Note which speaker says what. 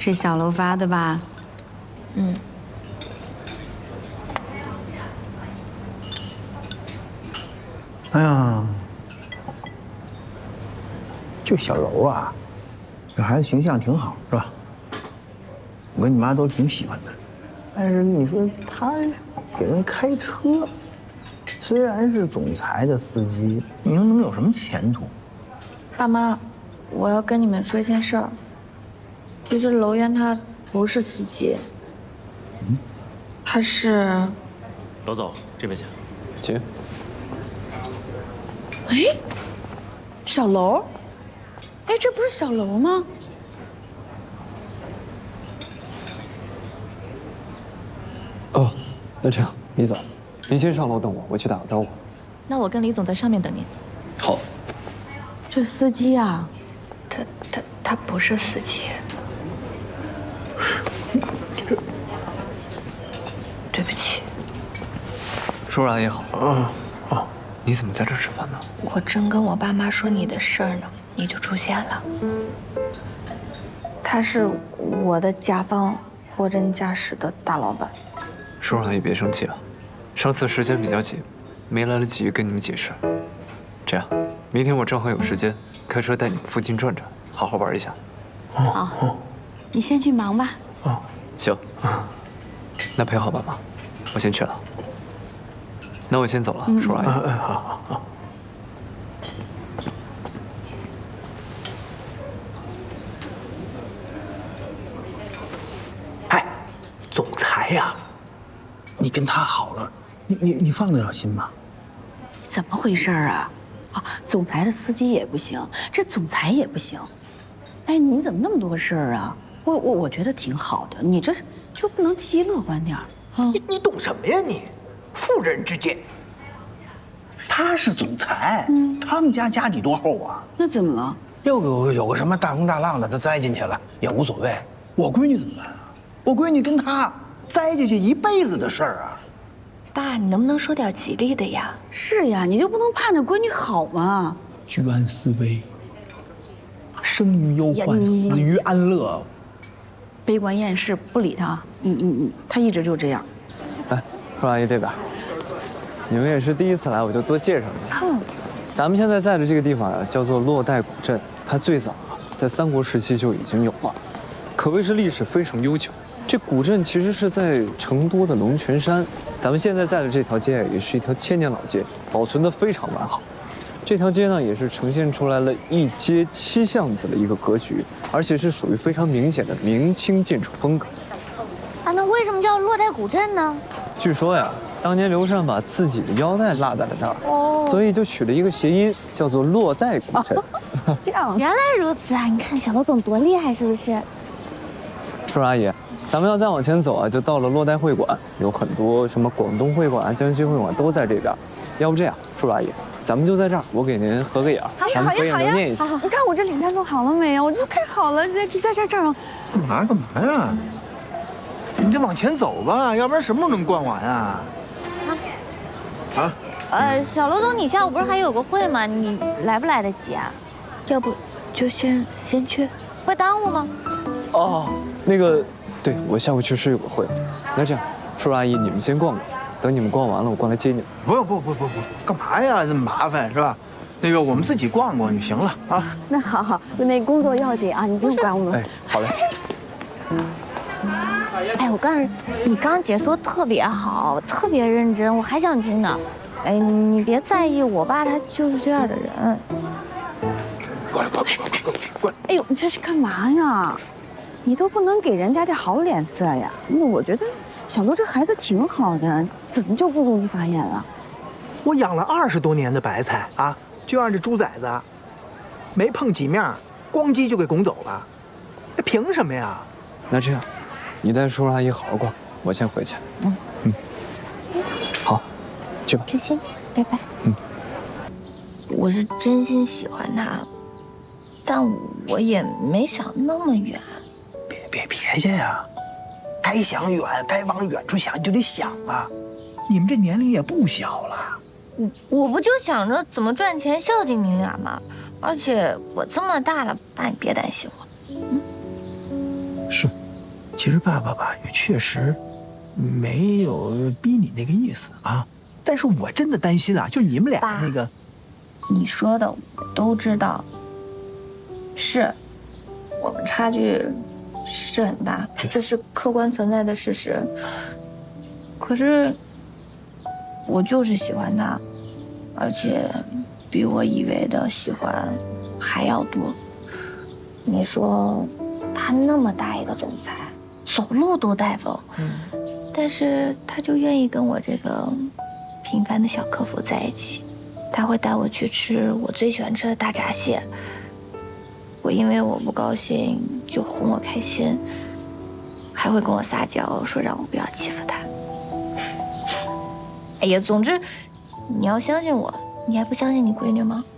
Speaker 1: 是小楼发的吧？
Speaker 2: 嗯。
Speaker 3: 哎呀，这小柔啊，这孩子形象挺好，是吧？我跟你妈都挺喜欢的。但是你说他给人开车，虽然是总裁的司机，你说能有什么前途？
Speaker 2: 爸妈，我要跟你们说一件事儿。其实楼渊他不是司机，他是……
Speaker 4: 楼总，这边请。
Speaker 5: 请。
Speaker 1: 哎，小楼，哎，这不是小楼吗？
Speaker 5: 哦，那这样，李总，您先上楼等我，我去打个招呼。
Speaker 6: 那我跟李总在上面等您。
Speaker 5: 好。
Speaker 1: 这司机啊，
Speaker 2: 他不是司机。对不起。
Speaker 5: 叔叔阿姨好。你怎么在这吃饭呢？
Speaker 2: 我正跟我爸妈说你的事儿呢，你就出现了。他是我的甲方货真价实的大老板。
Speaker 5: 叔叔阿姨别生气啊，上次时间比较紧，没来得及跟你们解释。这样，明天我正好有时间，开车带你们附近转转，好好玩一下。
Speaker 1: 好，你先去忙吧。
Speaker 5: 行。那陪好爸妈，我先去了。那我先走了，叔叔阿姨。
Speaker 3: 好。哎，总裁呀，你跟他好了，你放得了心吗？
Speaker 1: 怎么回事啊？啊，总裁的司机也不行，这总裁也不行。哎，你怎么那么多事儿啊？我觉得挺好的，你这就不能积极乐观点儿啊？
Speaker 3: 你懂什么呀你？妇人之见。他是总裁，他们家家底多厚啊？
Speaker 1: 那怎么了？
Speaker 3: 又有个什么大风大浪的，他栽进去了也无所谓。我闺女怎么办啊？我闺女跟他栽进去一辈子的事儿啊！
Speaker 2: 爸，你能不能说点吉利的呀？
Speaker 1: 是呀，你就不能盼着闺女好吗？
Speaker 3: 居安思危，生于忧患，死于安乐。
Speaker 1: 悲观厌世，不理他。他一直就这样。
Speaker 5: 来，叔叔阿姨这边。你们也是第一次来，我就多介绍一下。咱们现在在的这个地方啊，叫做洛带古镇。它最早啊，在三国时期就已经有了，可谓是历史非常悠久。这古镇其实是在成都的龙泉山。咱们现在在的这条街也是一条千年老街，保存得非常完好。这条街呢，也是呈现出来了一街七巷子的一个格局，而且是属于非常明显的明清建筑风格。
Speaker 2: 啊，那为什么叫洛带古镇呢？
Speaker 5: 据说呀，当年刘禅把自己的腰带落在了这儿，所以就取了一个谐音，叫做洛带古镇。
Speaker 1: 这样，
Speaker 2: 原来如此啊！你看小楼总多厉害，是不是？
Speaker 5: 叔叔阿姨，咱们要再往前走啊，就到了洛带会馆，有很多什么广东会馆、江西会馆都在这边。要不这样，叔叔阿姨，咱们就在这儿，我给您合个影，咱们合影留念一下。
Speaker 1: 你看我这脸蛋弄好了没有？我这太好了，在这儿。
Speaker 3: 干嘛呀？你得往前走吧，要不然什么时候能逛完啊？
Speaker 2: 小楼总，你下午不是还有个会吗？你来不来得及啊？要不就先去，会耽误吗？
Speaker 5: 哦，那个，对，我下午确实有个会。那这样，叔叔阿姨，你们先逛逛，等你们逛完了，我过来接你们。
Speaker 3: 不，干嘛呀？这么麻烦是吧？那个我们自己逛逛就行了啊。
Speaker 1: 那好，那工作要紧啊，你不用管我们。
Speaker 5: 哎，好嘞。
Speaker 2: 哎，我告诉你，你刚姐说特别好，特别认真，我还想听呢。哎，你别在意，我爸他就是这样的人。
Speaker 3: 过来！
Speaker 1: 哎呦，你这是干嘛呀？你都不能给人家点好脸色呀？那我觉得小楼这孩子挺好的，怎么就不努力发言了？
Speaker 3: 我养了20多年的白菜啊，就让这猪崽子没碰几面，咣叽就给拱走了，这凭什么呀？
Speaker 5: 那这样，你带叔叔阿姨好好逛，我先回去。好，去吧。
Speaker 2: 开心，拜拜。我是真心喜欢他，但我也没想那么远。
Speaker 3: 别去呀！该想远，该往远处想，你就得想啊！你们这年龄也不小了。
Speaker 2: 我不就想着怎么赚钱孝敬你俩吗？而且我这么大了，爸你别担心我。
Speaker 3: 是，其实爸爸吧也确实没有逼你那个意思啊，但是我真的担心啊，就你们俩那个，
Speaker 2: 你说的我都知道，是我们差距是很大，这是客观存在的事实。可是我就是喜欢他，而且比我以为的喜欢还要多。你说他那么大一个总裁，走路都带风，但是他就愿意跟我这个平凡的小客服在一起。他会带我去吃我最喜欢吃的大闸蟹，我因为我不高兴就哄我开心，还会跟我撒娇说让我不要欺负他。哎呀，总之你要相信我，你还不相信你闺女吗？